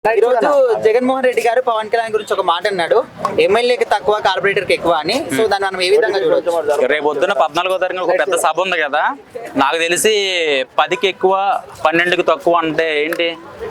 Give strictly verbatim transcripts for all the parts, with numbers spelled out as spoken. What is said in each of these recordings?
ఈ రోజు జగన్మోహన్ రెడ్డి గారు పవన్ కళ్యాణ్ గురించి ఒక మాట అన్నాడు, ఎమ్మెల్యేకి తక్కువ కార్పొరేటర్ కి ఎక్కువ అని. సో దాన్ని మనం ఏ విధంగా చూడొచ్చు? రేపు పొద్దున్న పద్నాలుగో తారీఖున ఒక పెద్ద సభ ఉంది కదా, నాకు తెలిసి పదికి ఎక్కువ పన్నెండుకి తక్కువ అంటే ఏంటి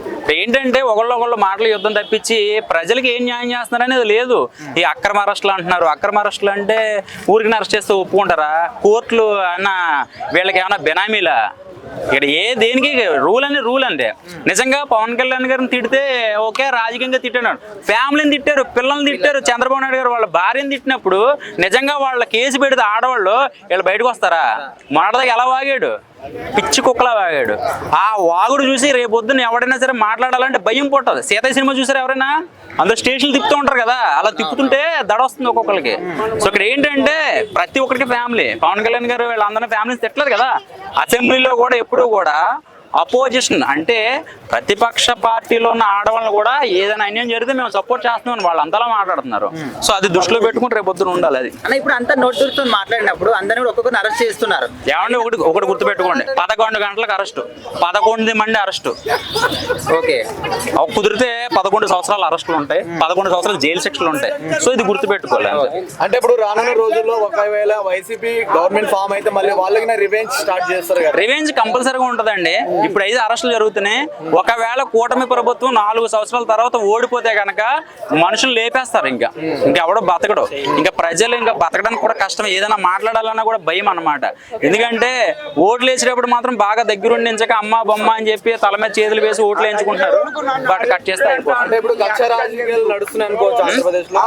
ఏంటంటే ఒకళ్ళు ఒకళ్ళు మాటలు యుద్ధం తప్పించి ప్రజలకి ఏం న్యాయం చేస్తున్నారనేది లేదు. ఈ అక్రమ అరెస్టులు అంటున్నారు. అక్రమ అరెస్టులు అంటే ఊరికి అరెస్ట్ చేస్తే ఒప్పుకుంటారా? కోర్టులు అన్న వీళ్ళకి ఏమైనా బెనామీలా? ఇక్కడ ఏ దేనికి రూల్ అని రూల్ అంటే నిజంగా పవన్ కళ్యాణ్ గారిని తిడితే ఓకే, రాజకీయంగా తిట్టాడు, ఫ్యామిలీని తిట్టారు, పిల్లల్ని తిట్టారు. చంద్రబాబు నాయుడు గారు వాళ్ళ భార్యను తిట్టినప్పుడు నిజంగా వాళ్ళ కేసు పెడితే ఆడవాళ్ళు వీళ్ళు బయటకు వస్తారా? మొన్నటిదాకా ఎలా వాగాడు, పిచ్చి కుక్కలా వాగాడు. ఆ వాగుడు చూసి రేపు పొద్దున్న ఎవరైనా సరే మాట్లాడాలంటే భయం పుట్టదు. సీతయ్య సినిమా చూసారు ఎవరైనా? అందులో స్టేషన్లు తిప్పుతూ ఉంటారు కదా, అలా తిప్పుతుంటే దడ వస్తుంది ఒక్కొక్కరికి. సో ఇక్కడ ఏంటంటే ప్రతి ఒక్కరికి ఫ్యామిలీ. పవన్ కళ్యాణ్ గారు వీళ్ళందరినీ ఫ్యామిలీస్ తిట్టలేదు కదా. అసెంబ్లీలో కూడా ఎప్పుడూ కూడా అపోజిషన్ అంటే ప్రతిపక్ష పార్టీలో ఉన్న ఆడవాళ్ళని కూడా ఏదైనా అన్యాయం జరిగితే మేము సపోర్ట్ చేస్తున్నాం వాళ్ళు అంతలా మాట్లాడుతున్నారు. సో అది దృష్టిలో పెట్టుకుని రేపు పొద్దున ఉండాలి. అది అన్న ఇప్పుడు అంతా నోటుతో మాట్లాడినప్పుడు అందరినీ కూడా ఒక్కొక్కరిని అరెస్ట్ చేస్తున్నారు. ఏమంటే ఒకటి ఒకటి గుర్తుపెట్టుకోండి, పదకొండు గంటలకు అరెస్టు, పదకొండు మంది అరెస్టు. ఓకే, కుదిరితే పదకొండు సంవత్సరాలు అరెస్టులు ఉంటాయి, పదకొండు సంవత్సరాలు జైలు శిక్షలు ఉంటాయి. సో ఇది గుర్తుపెట్టుకోవాలి. అంటే ఇప్పుడు రానున్న రోజుల్లో ఒకవేళ వైసీపీ గవర్నమెంట్ ఫామ్ అయితే మళ్ళీ వాళ్ళకి రివెంజ్ స్టార్ట్ చేస్తారు కదా? రివెంజ్ కంపల్సరీగా ఉంటుందండి. ఇప్పుడు ఐదు అరెస్టులు జరుగుతున్నాయి. ఒకవేళ కూటమి ప్రభుత్వం నాలుగు సంవత్సరాల తర్వాత ఓడిపోతే కనుక మనుషులు లేపేస్తారు. ఇంకా ఇంకెవడో బతకడు. ఇంకా ప్రజలు ఇంకా బతకడానికి కూడా కష్టం. ఏదైనా మాట్లాడాలన్నా కూడా భయం అన్నమాట. ఎందుకంటే ఓట్లు వేసేటప్పుడు మాత్రం బాగా దగ్గరుండించక అమ్మ బొమ్మ అని చెప్పి తల మీద చేతులు వేసి ఓట్లు వేయించుకుంటారు. బట్ కట్ చేస్తే అయిపోతుంది. ఇప్పుడు కక్ష రాజకీయాలు నడుస్తున్నాయి అనుకోవచ్చు ఆంధ్రప్రదేశ్ లో.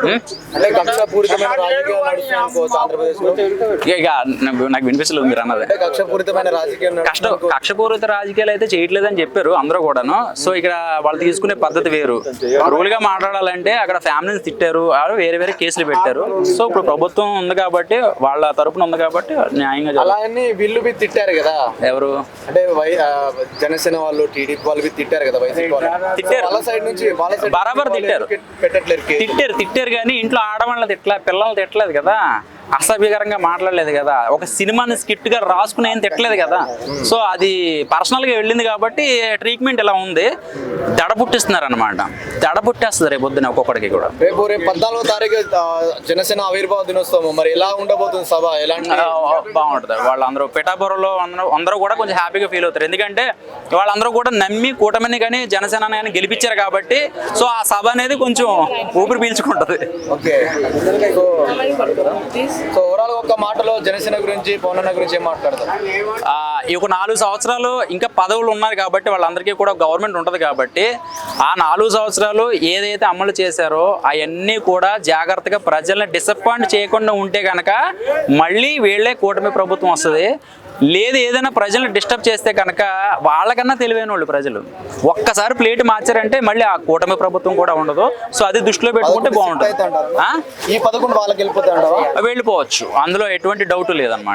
అంటే కక్షపూరితమైన రాజకీయాలు నడుస్తున్నాయి అనుకోవచ్చు ఆంధ్రప్రదేశ్ లో. ఇక నాకు వినిపిస్తలేదు మీరు అన్నది. కక్షపూరితమైన రాజకీయాలు కష్టం కక్షపూరిత రాజకీయాలు అయితే చేయట్లేదని చెప్పారు అందరూ కూడాను. సో ఇక్కడ వాళ్ళు తీసుకునే పద్ధతి వేరు. రూల్ గా మాట్లాడాలంటే అక్కడ ఫ్యామిలీని తిట్టారు, వేరే వేరే కేసులు పెట్టారు. సో ఇప్పుడు ప్రభుత్వం ఉంది కాబట్టి వాళ్ళ తరపున ఉంది కాబట్టి న్యాయంగా అలా అని వీళ్ళు బి తిట్టారు కదా. ఎవరు అంటే జనసేన వాళ్ళు టీడీపీ వాళ్ళు బి తిట్టారు కదా వైసీపీ వాళ్ళు. తిట్టారు, వాళ్ళ సైడ్ నుంచి వాళ్ళ సైడ్ బరాబర్ తిట్టారు పెట్టట్లేదు. తిట్టారు తిట్టారు కానీ ఇంట్లో ఆడవాళ్ళని తిట్టలే, పిల్లల్ని తిట్టలేదు కదా, అసభ్యకరంగా మాట్లాడలేదు కదా, ఒక సినిమాని స్కిట్ గా రాసుకుని ఏం తిట్టలేదు కదా. సో అది పర్సనల్ గా వెళ్ళింది కాబట్టి ట్రీట్మెంట్ ఇలా ఉంది. దడ పుట్టిస్తున్నారు అనమాట. దడ పుట్టేస్తుంది రేపు పొద్దున ఒక్కొక్కడికి కూడా. రేపు రేపు పద్నాలుగో తారీఖు జనసేన ఆవిర్భావ దినోత్సవం, మరి ఎలా ఉండబోతుంది సభ? ఎలాంటి బాగుంటుంది. వాళ్ళందరూ పిఠాపురంలో అందరూ అందరూ కూడా కొంచెం హ్యాపీగా ఫీల్ అవుతారు. ఎందుకంటే వాళ్ళందరూ కూడా నమ్మి కూటమిని కానీ జనసేన కానీ గెలిపించారు కాబట్టి. సో ఆ సభ అనేది కొంచెం ఊపిరి పీల్చుకుంటది. ఓకే, సో ఓవరాల్ ఒక మాటలో జనసేన గురించి పవన్ అన్న గురించి ఏం మాట్లాడతారు? ఈ ఒక నాలుగు సంవత్సరాలు ఇంకా పదవులు ఉన్నారు కాబట్టి వాళ్ళందరికీ కూడా గవర్నమెంట్ ఉంటుంది కాబట్టి ఆ నాలుగు సంవత్సరాలు ఏదైతే అమలు చేశారో అవన్నీ కూడా జాగ్రత్తగా ప్రజల్ని డిసప్పాయింట్ చేయకుండా ఉంటే కనుక మళ్ళీ వీళ్ళే కూటమి ప్రభుత్వం వస్తుంది. లేదు ఏదైనా ప్రజల్ని డిస్టర్బ్ చేస్తే కనుక వాళ్ళకన్నా తెలివైన వాళ్ళు ప్రజలు. ఒక్కసారి ప్లేట్ మార్చారంటే మళ్ళీ ఆ కూటమి ప్రభుత్వం కూడా ఉండదు. సో అది దృష్టిలో పెట్టుకుంటే బాగుంటుంది. ఈ పదకొండు వాళ్ళకి వెళ్ళిపోతే వెళ్ళిపోవచ్చు, అందులో ఎటువంటి డౌట్ లేదన్నమాట.